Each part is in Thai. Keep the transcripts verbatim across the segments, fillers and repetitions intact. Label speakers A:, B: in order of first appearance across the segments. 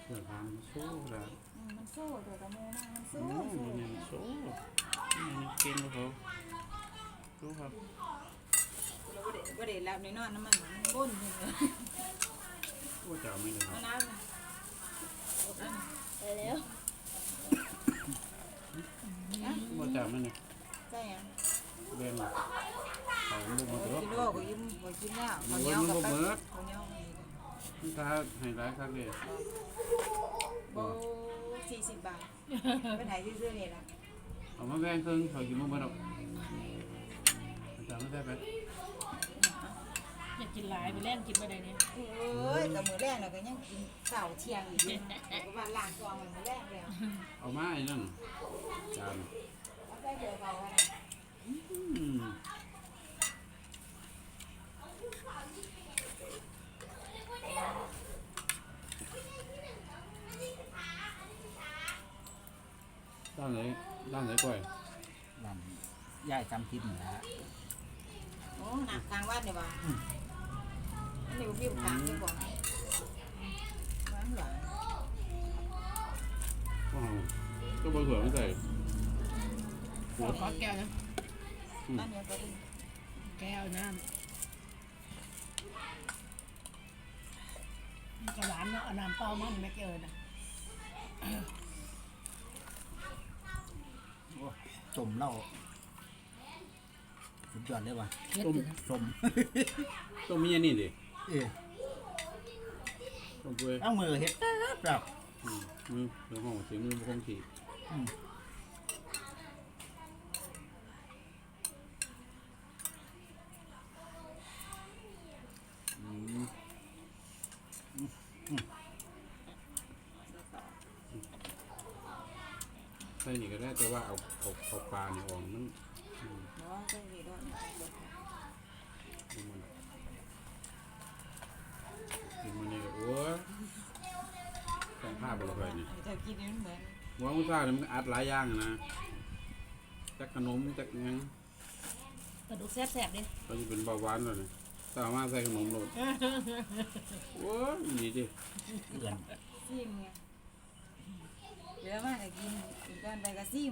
A: เดี๋ยวทานโซ่ละ
B: มันโซ่เดี๋ยวตะโมนะมันโซ่
A: โอ้โหเนี่ยโซ่เนี่ยเก่งกว่าเขารู้ครับ
B: เราไม่ได้ไม่ได้แล้วในนอนน้ำมันมันบ้นเลย
A: ว่าจะไม่ได้ครั
B: เอา
A: บ
B: น้ำไปแล้ว
A: ว่าจะไม่เนี่ย
B: ใช่ยัง
A: เรียนเขาลูกมาเถอะ
B: กินด้วยก็ยิ้มก็กินแล้วเขาเนี้ยกับไปเขาเนี้ย
A: นี่ถ้าให้ร้ายครับเลย
B: โบสี่สิบบาทไปไหนซื้อๆเนี่ยนะ
A: เอามาแบ่งครึ่งเขากินมื้อบ่ดอกจะไม่ได้ไป
C: อยากกินหลายไปแล่นกินไปได้เนี่ย
B: เอ้ยกับมือแรกเราก็ยังกินเสาเที่ยงอยู่ก็มาล้างกองมันมือแรกแล้ว
A: เอามาไอ้นั่นจาน
B: แล้วได้เจอเขาอะไร
A: ด้านไหนด้านไหนก่อย
D: ด้านย่ายจำทิพย์นี่ฮะ
B: โอ้หนักทางวัดเนี่ยว่ะอันนี้พี่ถามดีกว่าหวานหวาน
A: อ๋อก็บะเขือไม่ใส่
C: ขอแก้วนะ
B: บ้านเดียวกัน
C: แก้วน้ำกระหวานเนาะน้ำเปล่ามันไม่เกินนะ
D: สมเล่าสุดยอดเลยว่ะ
C: ต้ม
D: สม
A: ต้มมีอันนี้ดิ
D: เออ
A: ต้มเปื่อย
D: เอามือเฮ็ดแบบ
A: มือเดี๋ยวห้องเสียมือคงขี่ใส่นี่ก็ได้แต่ว่าเอาเอาเอาปลาเนี่ยออกมัน
B: เนาะใช่ดีด้วย
A: กินมันนี่ก็โอ้ยต้องผ้าบริเวณนี่
B: จะกินนี่เหมือน
A: หัวมุซ่าเนี่ยมันอัดหลายอย่างนะจักขนมจักยัง
C: กระดูกแสบๆดิ
A: ก็จะเป็นเบาหวานเลยสามารถใส่ขนมโรดโอ้ยนี่ดิ
D: เกิน
B: ซิมไงเยอะมากเลยกินอีกการไปกับซิม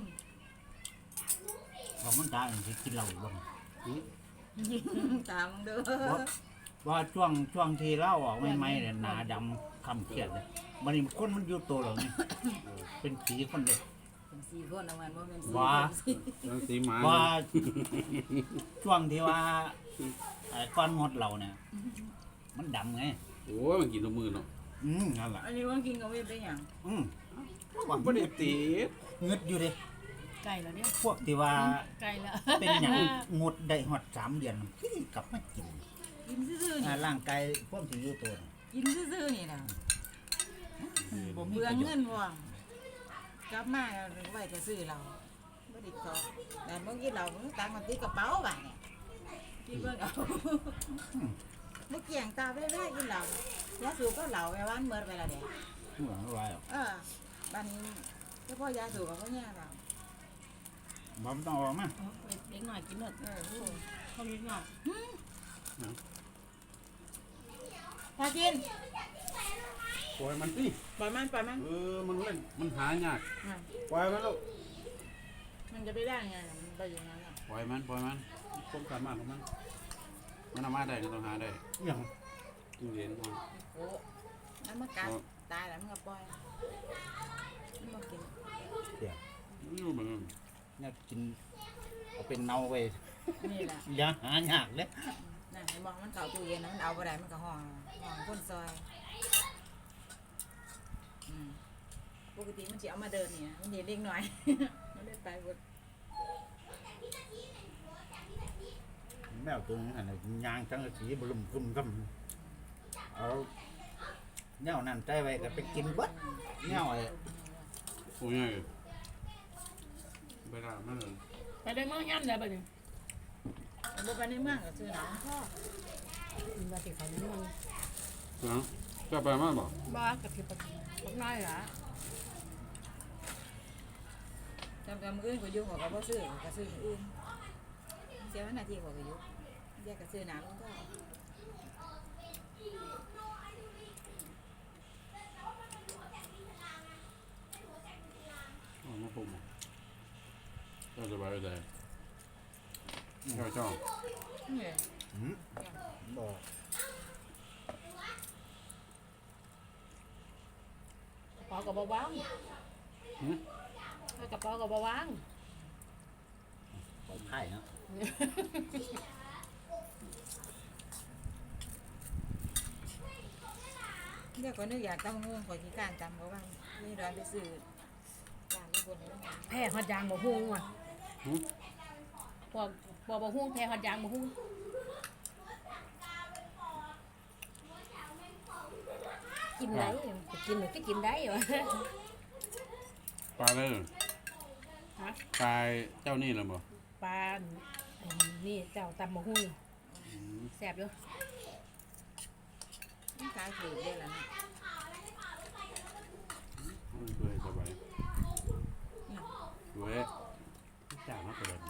D: ของมันตาอย่างที่กินเหล้าบ้าง
B: ตามมึงเด้อ
D: ว่าช่วงช่วงที่เล่าออกไม่ไม่เนี่ยหนาดำคำเครียดเลยมันนี่คนมันอยู่ตัวเหล่านี้เป็นผีคนเดียว
B: เป็นสี่คนเอามันว่าเป็นสี่
D: ว่า
A: สีหมา
D: ว่าช่วงที่ว่าก้อนงดเราเนี่ยมันดำไง
A: โอ้ยมันกินตัวมือเนาะ
D: อืมนั่นแหละ
B: อันนี้ว่ากินกับเว็บได้ยัง
D: อืม
A: ว่าไม่ได้ตี
D: เงืดอยู่ดิ
C: ไก่แล้วเนี่ย
D: พวกที่ว่า
C: ไก่แล้ว
D: เป็นอย่างงดได้หอดสามเดือนกลับมากิน
B: กินซื่อๆนี่
D: ร่างกายพวกที่อยู่ตัว
B: กินซื่อๆนี่นะเบื่อเงินว่างกลับมาไว้จะซื้อเราไม่ได้ขอแต่เมื่อกี้เราตังมาตีกระเป๋าไปเนี่ยกินเบื่อเอาเมื่อกี้อย่างตาไปได้กินเรายาสูบก็เหล่าไปวันเมื่อไปละเด็ก
D: เหมือนอะไรอ่ะ
B: เออบ้านนี้เฉพาะยาสูบกับเขาเนี่ยเรา
D: บ้าไม่ต้องออกมั้ย
C: เล็กหน่อยกินหมดเออเขาเล็กหน่อย
B: พากิน
A: ปล่อยมันสิ
B: ปล่อยมันปล่อยมัน
A: เออมันเล่นมันหายากปล่อยมันลูก
B: มันจะไปได้ไงมันไปอย่างนั้น
A: ปล่อยมันปล่อยมันความสามารถของมันมันทำมาได้ก็ต้องหาได้
D: อย่าง
A: ตู้เย็นมา
B: โอ้น้ำมันกัดตายแล้วมันก็ปล่อยมันมากิน
D: เดี๋ยว
A: นี่มัน
D: เนี่ยกินเอาเป็นเน่าไป
B: นี่แหละ
D: อย่าหายากเลย
B: นั่นมองมันเก่าตู้เย็นมันเอาไปได้มันก็ห่อห่อก้นซอยปกติมันจะเอามาเดินเนี่ยมันเห็นเล็กหน่อยมันได้ไปหมด
D: แมวตัวนี้อะไรยางจังสีบลุ่มคุ้มคุ้มเอาแนวนั่นใจไว้ก็ไปกินบัดแนวไอ้
A: โอ้ยไปได้ไม่เลย
C: ไปได้เมืองยันเลยไปดิ
B: บุไปในเมืองก็ซื้อหนังพ่อ
C: มาติดเขาในเมือง
A: นะจะไปมั้ยบอก
C: บ้ากับที่ปะพวกน้อยเหรอ
B: จำจำอื่นก็ยุ่งกับเขาซื้อก็ซื้ออื่นเสียวันนาทีกว่าก็ยุ่งแยกก็ซื้อหนังก็
A: เลยเจ้าจ้อง
B: เนี่ย
D: อืมบอก
C: กระเป๋ากับเบาๆ
A: หืม
C: กระเป๋ากับเบา
D: ปล่อยไพ่เนาะ
B: เรียกว่านึกอยากตำงูขอขี้การตำเพราะว่านี่ร้านไปซื้อร้านที่บนนี้
C: ๆแพ้ฮอดยางบ่ฮู้ว่ะ
A: หืม
C: พวกบ่บ่ฮู้แพ้ฮอดยางบ่ฮู้กินได้จะกินหรือก็กินได้วะ
A: ปลาเลย
C: ฮะ
A: ปลาเจ้านี่เหรอบ่
C: ปลาอันนี่เจ้าตำบ่ฮู้
A: อืม
C: แซ่บอยู่
B: นี่ขายถือเยอะแล้วนะ
A: มันเปื่อยสบายเว้ยจานน้ำไปเลย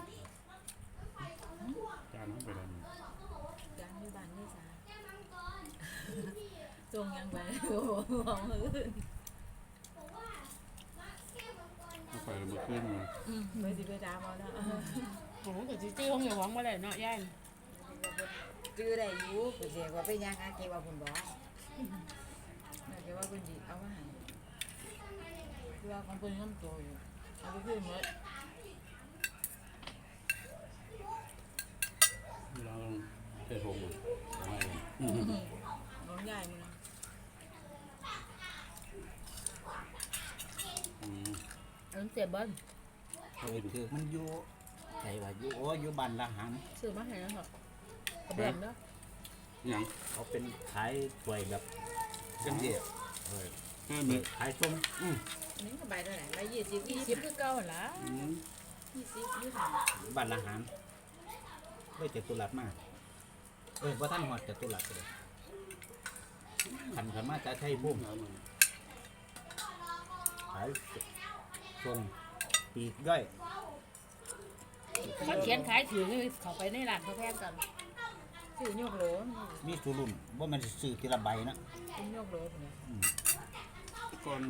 A: จานน้ำไปเลย
B: จานที่บ้านนี่สาจงยังไปโอ้โหมองอื่น
A: เอาไปแล้วมือขึ้นมา
B: อืมไปสิไปดามเอาแล้ว
C: โอ้โหก็สิซื้อของอย่าหวังบ่ได้เนาะยาย
B: จื้อได้อยู่ก็เสียว่าไปย่างอาเกว่าคุณบอกน่าจะว่าคุณดีเอามาให้คือว่าของคุณน้ำโตอยู่เอาไปขึ้นหมด
A: เราต้องเททงมาไม่เลย
B: น้องใหญ่มึง
A: อืม
C: อันเสียบเบิ้ล
D: เออคือมันอยู่ใช่ว่าอยู่โอ้อยู่บ้านละหัง
C: ซื้อมาให้แล้วเหรอ กระเบื้องเนาะ
A: หยัง
D: เขาเป็นขายถ้วยแบบกันเดียวเออ
A: เพิ่มเลย
D: ขายส้มอืม
B: อันนี้ก็ใบเท่าไหร่ใบยี่สิบ
C: ยี่
B: ยี่
C: สิ
B: สิ
C: บบ คือเก่าหั่นล่ะ
A: อืม
B: ยี่สิบยี่สิบ
D: บ้านละหังเฮ้ยเจ็ดตุลัดมากเออว่าท่านหอดเจ็ดตุลัดเลยขันขันมาจะใช้บุ้ม
A: เอามา
D: ขายส่งปีกย่อย
C: เขาเขียนขายถือนี่เขาไปในร้านเขาแพงกัน
B: ซื้อยกโหล
D: มีสุรุ่นว่ามันซื้อทีละใบนะ
B: เป็นยกโหลเนี่ย
A: ก่อน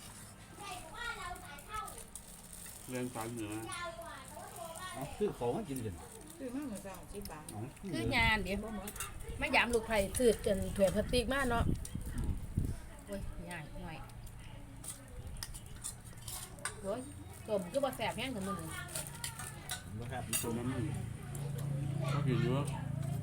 A: เรียนสายเหนือ
D: เอาซื้อของมากินกัน
B: ซื้อมาเหมือนกันสิบบาท
D: เอา
C: คืองานเดี๋ยวไม่ยามลูกไผ่ซื้อจนถ้วยพลาสติกมาเนาะโอ้ยง่ายหน่อยโอ้ยต้มก็บ่แซ่บแห้งกันมื้อนี้
D: บ่ครับ
A: ตัวนั้นมันก็กินเยอะ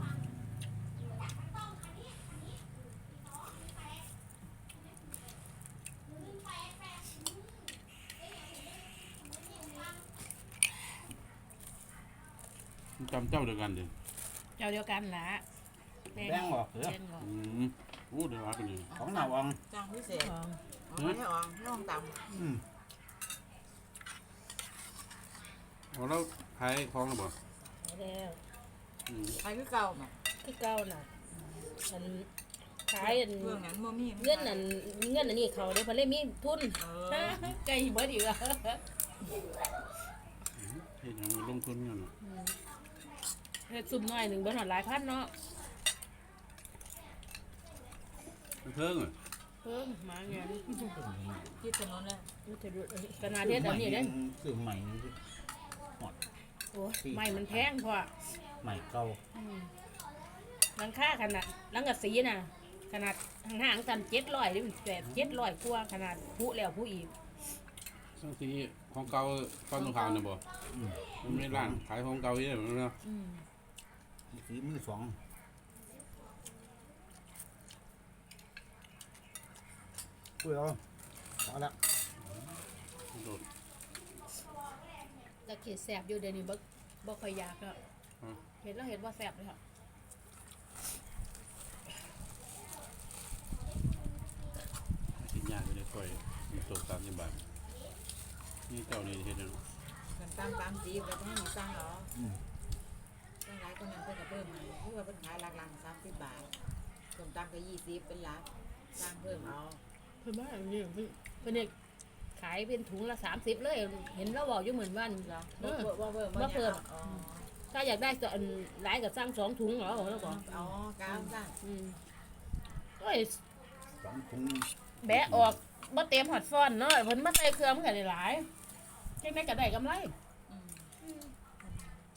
A: จำเจ้าเดียวกันดิ
C: เจ้าเดียวกันล่ะ
D: แบงออกเหรอ
C: แบ่งออก
A: อืมโอ้เดี๋ยวรักกันนี่
D: ของหนาวอ่อง
B: จ้างพิเศษ
C: ของ
B: เอาไม่ออกน้องต่
D: อืม
A: เอาแล้วขายของหรือเปล่า
C: แล้ว
A: อืม
B: ำไปคือเก่าน่ะ
C: คือเก่าน่ะอันขายอัน
B: เรื่องนั้นบ่มี
C: เงินอันเงินอันนี้เขาได้เพิ่นเลยมีทุน
B: เออ
C: ไก่เบิดอีกอ่ะ
A: เฮ็ดหยังมันลงทุนกันน่ะ
C: เฮ็ดซุ่มน้อยหนึงเบิดหอดหลายพันเนาะ
A: มันเทิงอ่ะ
C: เพิ่มมาเงี้ย
B: คิดถนนเลย
C: มันจะดูขนาดเฮ็ดอันนี้เด้
D: ซื้อใหม่นี่สิ
C: โอ้ยไม้มันแพงพอ
D: ใหม่เก่า
C: อืมหลังคาขนาดหลังกะสีน่ะ ขนาดห่างๆกันเจ็ดร้อยนี่มันแปดเจ็ดร้อยกว่าขนาดผู้แล้วผู้อีก
A: สังทีของเก่าฟันตรงขาวน่ะบ่
D: อืม
A: มันไม่ร้านขายของเก่าเยอะเหมือนกันเนาะ
C: อืม
D: สีมือสองคุยเอาพอแล้ว
A: โดด
C: แล้วเขีดแสบอยู่เดี๋ยวนี้บ่บ่ค่อยอยากแล้วเห็นแล้วเห็นว่าแสบเลยค่ะ
A: กินยากไม่ได้ค่อยมีตกตามที่บ้านนี่เจ้านี่เฮ็ดหยัง
B: กันตามตามจีบแล้วก็ให้มีสร้างเหรอ
D: อืม
B: สร้างหลายคนนั้นเพิ่นก็เพิ่มมาคือว่าเพิ่นขายหลักๆสามสิบบาทส่วนตังก็ยี่สิบเป็นหลักสร้างเพิ่มเอา
C: เพิ่นว่าอันนี้เพิ่นเพิ่นเนี่ยขายเป็นถุงละสามสิบเลย เห็นเราบอกอยู่เหมือนวัน
B: เหรอ
C: เออ
B: บ่เพิ่ม
C: บ่เพิ่ม
B: อ๋อ
C: ถ้าอยากได้ก็อันหลายก็สั่งสองถุงเหรอแล้วบอก
B: อ๋อกาวสร้าง
C: อืมโอ้ย
D: สองถุง
C: แบะออกบ่เต็มหอดฟอนเนาะเพิ่นมาใส่เครื่องมันก็ได้หลายจังได๋ก็ได้กำไร
B: อืม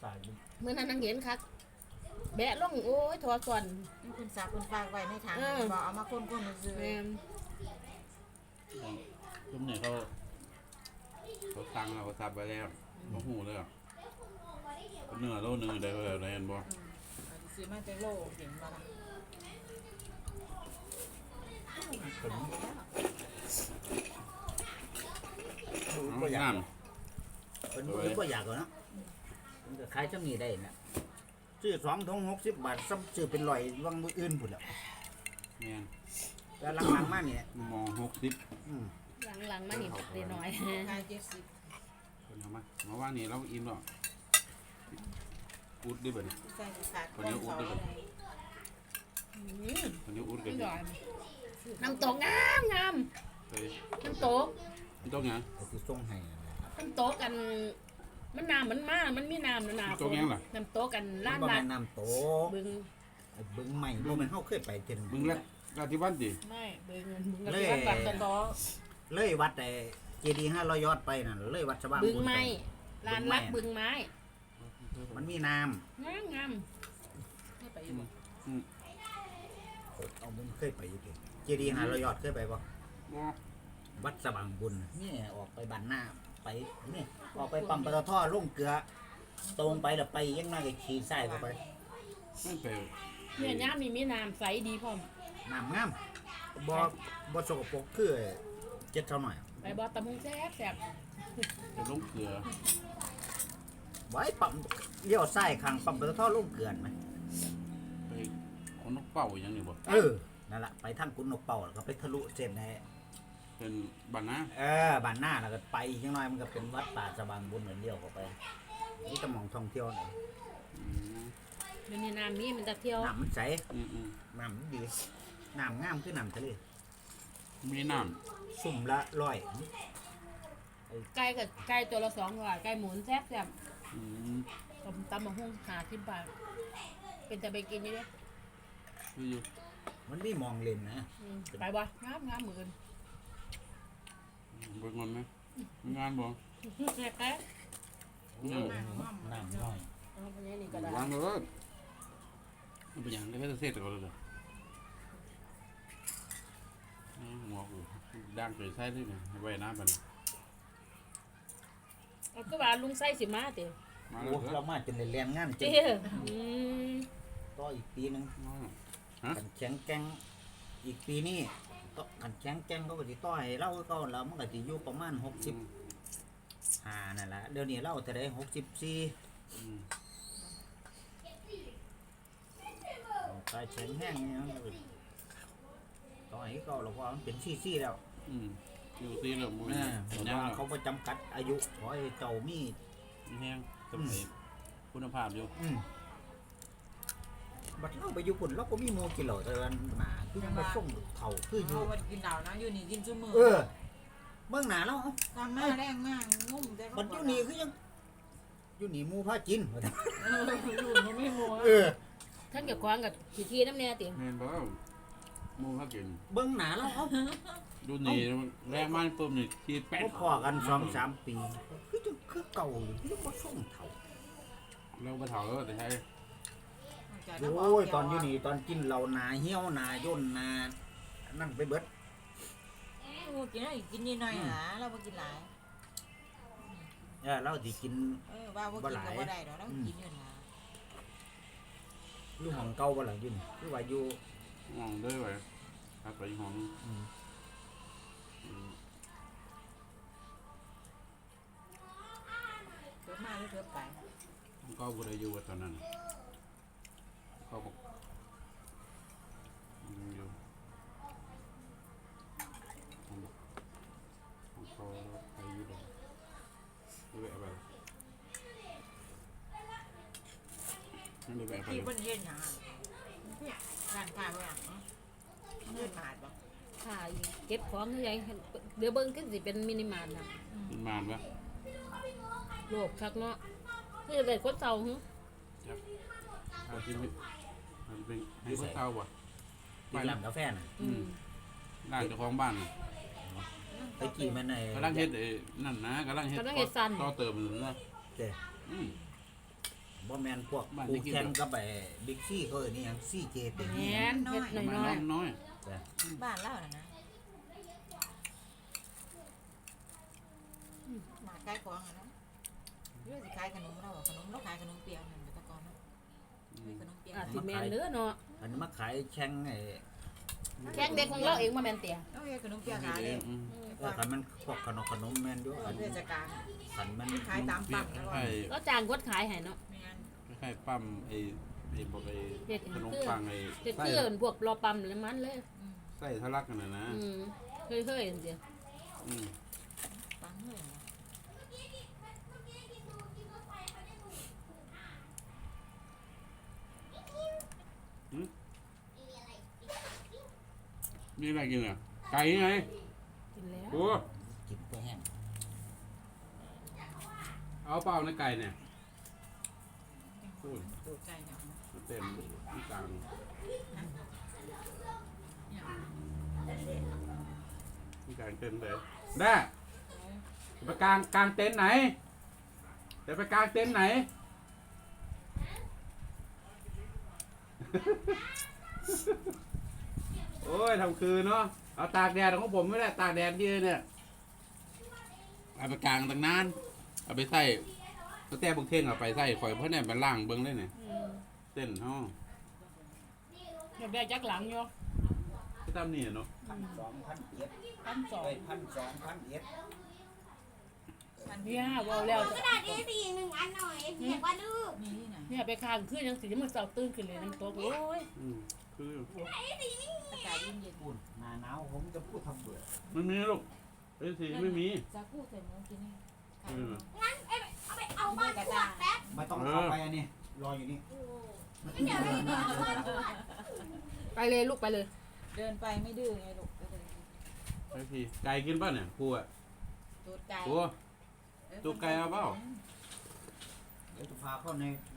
D: ตาย
C: เมื่อนั้นนังเห็นคักแบะลงโอ้ยทอส่วน
B: นี่คุณสักคุณฝากไว้ในถัง
C: เออ
B: บอกเอามาคนๆซื้อ
C: แม่น
A: ทุกเนี่ยเขาเขาสั่งเราเขาสับไปแล้วเขาหูเลยอ่ะเนื้อโลนึงได้เท่าไหร่เห็นบ่
B: ซื้อมาจากโลเห็นบ่ล่ะ
D: ผม
A: เอา
D: ก็อยาก
A: น้
D: เป็นผมก็อยากเนาะมันก็ขายจังนี้ได้นะซื้อสองถุงหกสิบบาทซ้ำซื้อเป็นร้อยวังมืออื่นพุ่นแล้ว
A: ำแม่น
D: แต่หลังๆมาเนี่ย
A: มองหกสิบ
D: อืม
C: หลังๆมานี่ได้น้อย
B: ขายเจ็ดสิบ
A: คนเอามามาว่านี่เราอิ่มหรอกอุดดิบ่เนี่ย
B: ใส่ขาด
A: คนนี้อุ๊ดด้วยกัน
C: อืม
A: คนนี้อุด
C: อ
A: กันอยู่
C: ร่อยน้ำตกงามงาม
A: เฮ้ย
C: น้ำตก
A: มันต้องยัง
D: ก็คือส่งให้นั่นแหละ
C: น้ำตกกันมันน้ำมันมามันมีน้ำนะน้ำ
A: น้ำตกยังล่ะ
C: น้ำตกกันล้าน
D: บ่
C: ล้า
D: แม่
C: น
D: นน้ำโต
C: บึง
D: ไอ้บึงใหม่บ่แม่นเฮาเคยไปเทื่อนึง
A: มึงละราธิวัฒน์ดิ
C: ไม่บึงบึง
D: เล
C: กัน
D: ย
C: วัดตะตอ
D: เลยวัดไอ้เจดีย์ห้าร้อยยอดไปนั่นเลยวัดสว่าง
C: บึง
D: บุญป
C: ไม้ลานรักบึงไม้
D: มันมีน้
C: งามงาม
B: ให้ไปอยู่บ่
D: ำเอาบุญเคยไปอยู่ดิเจดีย์ห้าร้อยยอดเคยไปบ่
A: บ่
D: วัดสว่างบุญนี่ออกไปบ้านหน้าไปนี่ออกไปปั๊มปตทลงเกลือ ตรงไปแล้วไปยังน่าจะขี่ซ้ายเข้าไป
A: ไม่ไป
C: เนี่ยย่ามนี่มีน้ำใสดีพร้อม
D: น้ำงามบ่บ่สกปรกคือเจ็ดเท่าหน่อย
C: ไปบ่ตะมุงแซ่บแซ่บ
A: ไปลงเกลือ
D: ไว้ปั๊มเลี้ยวซ้ายข้างปั๊มปตทลงเกลือนไหม
A: ไปเอานกเป่าอย่างนี้บ่
D: เออนั่นแหละไปทางกุนนกเป่าแล้วก็ไปทะลุเส้นให้
A: เป็นบ้านนะ
D: เออบ้านหน้าแล้วก็ไปอีกจังหน่อยมันก็เป็นวัดป่าสว่างบุญเหมือนเดียวเข้าไปนี่ตะหมองท่องเที่ยวน่ะ
A: อืม
C: เดี๋ยวนี้น้ำมีมันจะเที่ยว
D: น้ำมันใส
A: อืมอืม
D: น้ำมันดีน้ำงามคือน้ำทะเล
A: มีน้
D: สุ่มละร้อย
C: ไก่กับไก่ตัวละสองร้อยไก่หมุนแซ่บแซ่บ
A: ำอืม
C: ตำตำมะฮุ่งหาที่บาทเป็นแต่ไปกินอยู่เด้
A: คืออยู่
D: มันมีมองเล่นนะ
C: อืมไปบ่งามงามเหมือน
A: เบิ่งมันไหมมีงานบ่
C: แซ่บแซ่บ
A: อืม
D: น้ำน้อย
C: เอาไปนี่ก็ได้
A: วางเลยมันเป็นอย่างนี้ก็เสร็จแล้วเลยหัวกูดังไปใส่ด้วยไงไว้น้ำไป
C: เอาก็ว่าลุงไส้สิมาติ
A: มา
D: โอ้
A: แล้ว
D: เรามาจนได้เรียนงานจ
C: เจ้
D: ริง
C: อืม
D: ต่ออีกปีหนึง
A: ฮะ
D: กันแข็งแกร่งอีกปีนี้ก็กันแข็งแกร่งเขาก็สิต่อให้เราก็แล้วมันก็สิอยู่ประมาณหกสิบห้านั่นแหละเดี๋ยวนี้เราจะได้หกสิบสี่กายแข็งแห้งเนี่ยมันก็ต่อให้เขาเราก็มันเป็นซี่ๆแล้ว
A: อืมอยู่ตีเลยมึง
D: อ่า
A: เห็น
D: เพ
A: ยั
D: ราะ
A: ง
D: ว่าเขาไปจำกัดอายุขอให้เจ้ามี
A: แห้งสมัยคุณภาพอยู่
D: อืมบัดเราไปอยู่ปุ่นเราก็มีโมกินเหล่าเตือนมาคือยังมาส่งเถ่าคืออยู่
B: เอาวันกินเหล้านะอยู่นี่กินซุมื้อ
D: เออเมื่อหนาเราเอา
B: ตอนมาแรงมากงุ่มแต่
D: บัดอยู่นี่คือยังอยู่นี่หมูพากิน
B: เอออยู่มันไม่มัว
D: เออ
C: ท่านเกี่ยวกับกับขี้ที่น้ำแน่ติ
A: เห็นบ่มูเขากิน
D: เบิ้งหนาเราเอา
A: ดูนี่แรงมันปุ๊บนี่ทีแป๊ด
D: พพอกันสองสามปีคือจังคือเก่าอยู่คือยังมาส่งเถ่า
A: เราไปเถาแล้วแต่ใช้
D: โอ้ยตอนอยู่นี่ตอนกินเหล่าหนาเหี้ยวหนาย่นหนานั่นไปเบิด
B: โอ้กินอะไรกินนิดหน่อยหาเราบ่กินหลาย
D: เออเราสิกิน
B: เออว่าบ่กินก็บ่ได้ดอกเรากินอยู่นะ
D: อยู่ห้องเก่าบ่ล่ะอยู่นี่คือว่าอยู่
A: มองด้วยไว้ครับไปห้อง
D: อืม
B: เกิดมาหรือเกิดไป
A: ก็บ่ได้อยู่ตอนนั้นก็บอกอยู่ของเขาไปอยู่เลยด้วยอะไรนั่นด้วยอะไร
B: ที่เพิ่นเฮ็ดหยังร้านค้าบ่หยังเฮ็ดบาทบ่
C: ค่ะเก็บของคือไงเดี๋ยวเบิ่งคือสิเป็นมินิมาร์ทนะ
A: เป็นมานปะ
C: โลภคักเนาะคือได้คนเฒ่าหึ
A: จับอาจจะเป็นอาจจะเป็นให้เขาเช่าป่ะ
D: ที่ร้านกาแฟน่ะ
C: อืม
A: ร้านเจ้าของบ้านน่ะ
D: ไปกี่มันใน
A: กำลังเฮ็ดไอ้นั่นนะกำลังเฮ็ดต่อเติมมันนะ
D: เจ้
A: อืม
D: บ่แม่นพวกกูแข่งกับไอ้บิ๊กซี่เขาเอ้ยนี่หยังซี่เจติ
C: แหนเฮ็ด
A: มัน
C: น้
A: น้
C: อ
A: อย ยน้อย
D: แต่
B: บ้านเล่าน่ะนะมาใกล้กวางอ่ะนะเรื่องสิขายขนมเราอะขนมเราขายขนมเปียกนั่นแต่ก่อนเนาะมีขนมเปียก
C: ๆอาจสิแม่นเด้อเนาะ
D: อันนี้มาขายแข่งไอ้
C: แข้งเด็กของเราเองมาแม่นเตี่ย
B: เอาเฮ็ดขนมเปียก
A: ๆ
B: ขายเลย
A: อืม
D: เออคันมันพวกขนมขนมแม่นอยู่
B: เอ
D: อั
B: อน เทศกาล
D: คันมัน
B: ขายตาม
A: เปีย
B: ปั๊
A: ก
B: มแล้ว
A: คล้าย
C: ก็จ้างกดขายให้เนาะ
B: แม่น
A: ๆคล้ายๆปั๊มไอ้ไอ้บอกไอ้
C: เฮ็ด
A: ขนมปังไอ้
C: เฮ็ด
A: ไส้
C: คือพวกรอปั๊มแล้วมันเลย
B: อืม
A: ไส้ทะลักกันน่ะนะ
C: อืมเคยๆจังซี่
A: อืม
B: ปังเลยนะ
A: มีอะไรกินอ่ะไก่ไง
C: กินแล้ว
A: โอ้
D: กินเพื่อแห้ง
A: เอาเปล่าในไก่เนี่ยพูด
B: ตูดไก่เนาะ
A: เต็มที่กลางที่กลางเต็มเลยได้จะไปกลางกลางเต็นท์ไหนจะไปกลางเต็นท์ไหน โอ้ยทำคืนเนาะเอาตากแดดของผมไม่ได้ตากแดดที่เนี่ยเอาไปกลางตั้งนานเอาไปใส่ก็แต่บุกเท่งเอาไปใส่ข่อยเพราะเนี่ยมันล่างเบิ้งได้เนี่ย
C: อืม
A: เต้นห้อง
C: เดี๋ยวได้จักหลังอยู่
A: ก็ตามนี่เนาะ
D: พันสองพันเอ็ด
C: พันสอง
D: เอ้ยพันสองพันเอ็ด
C: เนี่ยเว้าแล้ว
E: กระดาษ เอ สี่หนึ่งอันหน่อยเรียกว่าดื้อ
B: มีที่ไหน
C: เนี่ยไปข้างคืนจังสิมันเช้าตื่นขึ้นเลยน้ำตกโอ้ย
A: อืมคือ
B: อากาศเย็นเย็น
D: พูดหน้าหนาวผมจะพูดทำเบื่อ
A: ไม่มีลูกเอ้ยสีไม่มี
B: จะกู้ใส่หมูกินนี่ขาย
A: อืม
E: งั้นเอ้ยเอาไปเอาบ้านขวดแป๊บ
D: ไม่ต้องเข้าไปอันนี้รออยู่นี่
E: เดี๋ยวเราเอาบ้านขวด
C: ไปเลยลูกไปเลย
B: เดินไปไม่ดื้อไงลูกไปเลย
A: ไอ้พี่ไก่กินป่ะเนี่ยครูอ่ะ
B: ตูดไก่
A: ครู ตูดไก่เอาเปล่า
D: เดี๋ยวจะพาเข้าใน